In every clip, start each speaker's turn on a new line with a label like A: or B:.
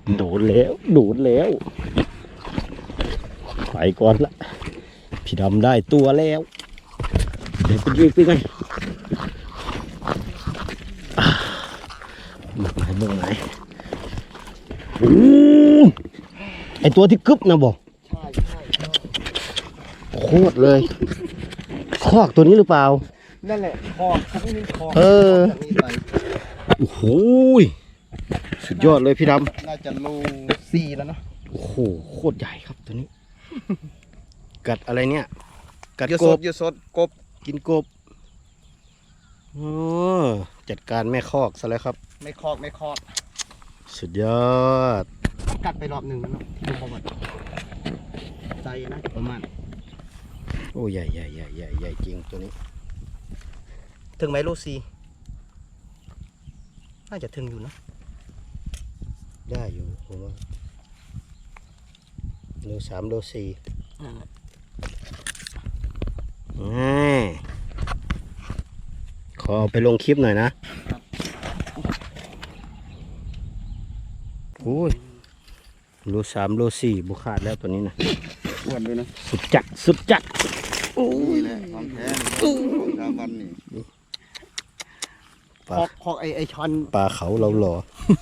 A: โดนแล้วโดนแล้วไปก่อนละพี่ดำได้ตัวแล้วเดี๋ยวไปยิงไปกันเบิ่งไหนไอตัวที่กึบนะบอกโคตรเลยคอกตัวนี้หรือเปล่า
B: นั่นแหละคอกไม่มีคอก
A: โอ้โหสุดยอดเลยพี่ดำ
B: น่าจะโล4แล้วเนาะ
A: โอ้โหโคตรใหญ่ครับตัวนี้กัดอะไรเนี่ยกัดกบ
B: ยูสดกบ
A: กินกบโอ้จัดการแม่คอกซะแล้วครับ
B: ไม่คอก
A: สุดยอด
B: กัดไปรอบหนึ่งแล้วเนาะที่ดูประวัติใจนะประมาณ
A: โอ้ใหญ่จริงตัวนี้
B: ถึงไหมโล4น่าจะถึงอยู่นะ
A: ได้อยู่ผมว่าโล3โล4ขอเอาไปลงคลิปหน่อยนะโอ้ยโล3โล4บุขาดแล้วตัวนี้นะ
B: อ้วนด้วยนะ
A: สุดจัด
B: โอ้ยแหละความแท้ของชาวบ้านนี่คอกไอช้อน
A: ปลาเขาเราหล่อ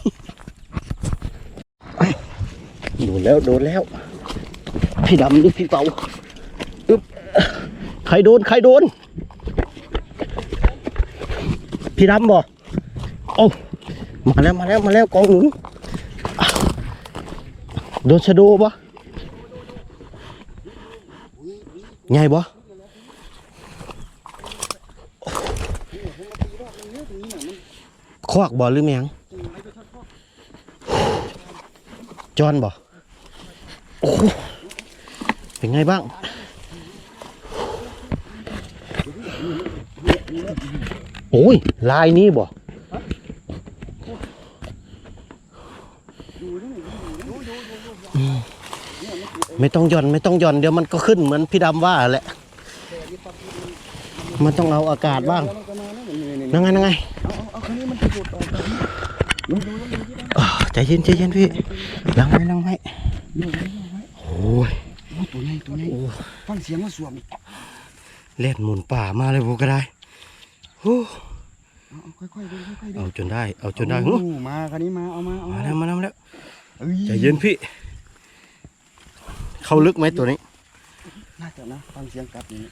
A: โดนแล้วพี่ดำหรือพี่เปาอึ๊บใครโดนพี่ดำบ่โอ้มาแล้วกองหนุนโดนชะโดบ่ไงบ่ควักบ่หรือแมงจอนบ่โอ้เป็นไงบ้างโอ้ยลายนี้บ่ไม่ต้องหย่อนเดี๋ยวมันก็ขึ้นเหมือนพี่ดำว่าแหละมันต้องเอาอากาศบ้างนั่งไงใจเย็นพี่ลังไว้โอ้ย
B: ตัวใหญ่ฟังเสียงว่าสวม
A: เล่นหมุนป่ามาเลยพวกก็ได้
B: ค่อยๆ
A: เอาจนได้
B: มาคันนี้มาเอา
A: มาแล้วใจเย็นพี่เข้าลึกไหมตัวนี้
B: น่าจะนะฟังเสียงกัดนี้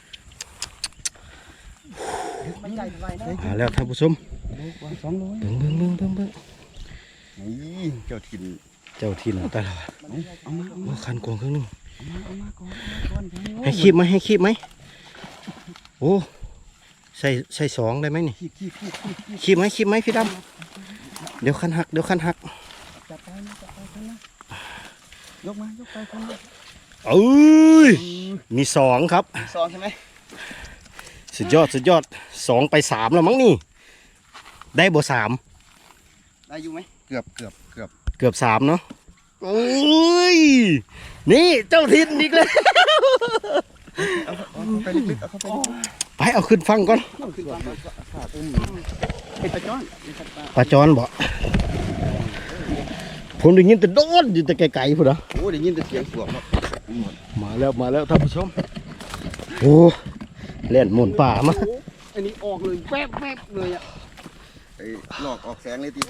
A: มาแล้วท่านผู้ชมเบิ่ง
B: นี่เจ้าถิ่น
A: ตลอดเอาคันกวงครึ่งนึงให้คีบไหมโอ้ใส่2ได้ไหมนี่คีบไหมพี่ดำเดี๋ยวคันหัก
B: จับไปยกไปคัน
A: เอ้ยมี2ครับ
B: 2ใช่ไหม
A: สุดยอด2ไป3แล้วมั้งนี่ได้บ่3
B: ได้อยู่ไหมเกือบ
A: 3เนาะโอ้ยนี่เจ้าถิ่นอีกแล้ว
B: เอาไปลึก
A: ไปเอาขึ้นฟังก่อนปลาจอนบ่ผมได้ยินแต่โดนอยู่แต่ไกลๆพุ่นนะ
B: โอ้ได้ยินแต่เสียงสวม
A: มาแล้วท่านผู้ชมโอ้เล่นหมุนป่ามา
B: อันนี้ออกเลยแวบเลยอ่ะไอ้หลอกออกแสงเลยที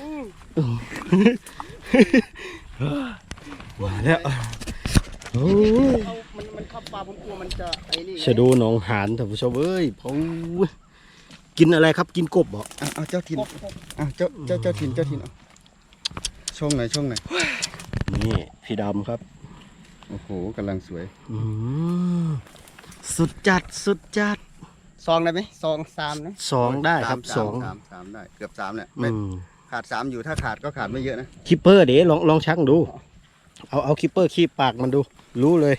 A: มาแล้วโอ้
B: มันเข้าปลาผมกลัวมันจะไอ้นี่
A: ชะโดหนองหานท่านผู้ชมเอ้ยเขากินอะไรครับกินกบบ่
B: เอาเจ้าถิ่นเจ้าถิ่นช่องไหน
A: นี่พี่ดำครับ
B: โอ้โหกำลังสวย
A: สุดจัด
B: 2ได้ไหม2 3นะ
A: 2ได้ครับ
B: 3ได้เกือบ3เนี่ยขาด3อยู่ถ้าขาดก็ขาดไม่เยอะนะ
A: คิปเปอร์เดี๋ยวลองชักดูเอาคิปเปอร์คีบปากมันดูรู้เลย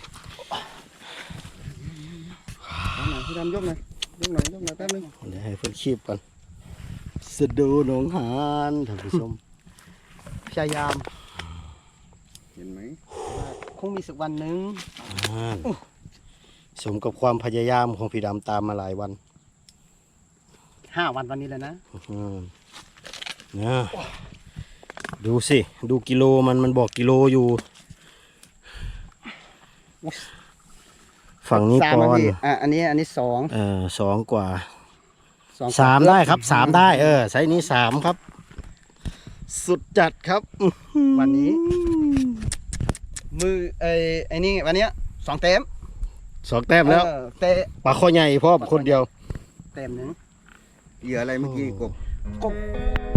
B: พี่ดำยกหน่อยแป๊บนึง
A: เดี๋ยวให้เพื่อนคีบก่อนสะดูหนองหานท่านผู้ชม
B: พยายามเห็นไหมคงมีสักวันหนึ่ง
A: สมกับความพยายามของพี่ดำตามมาหลายวัน
B: 5 วันวันนี้เลยนะ
A: เนี่ยดูสิดูกิโลมันบอกกิโลอยู่ ฝั่งนี้
B: สาม
A: ป
B: นะ
A: อน
B: พี่อันนี้สอง
A: 2 กว่า
B: สอง
A: 3ได้ครับ3ได้ไซส์นี้3ครับ สุดจัดครับ
B: วันนี้ มือไอ้นี่วันเนี้ย2 เต็ม
A: 2 แต้มแล้ว
B: เตะ
A: ปลาข้อใหญ่พ่อคนเดียว
B: เต็มหนึ่ง
C: เหยื่ออะไรเมื่อกี้กบ
B: กบ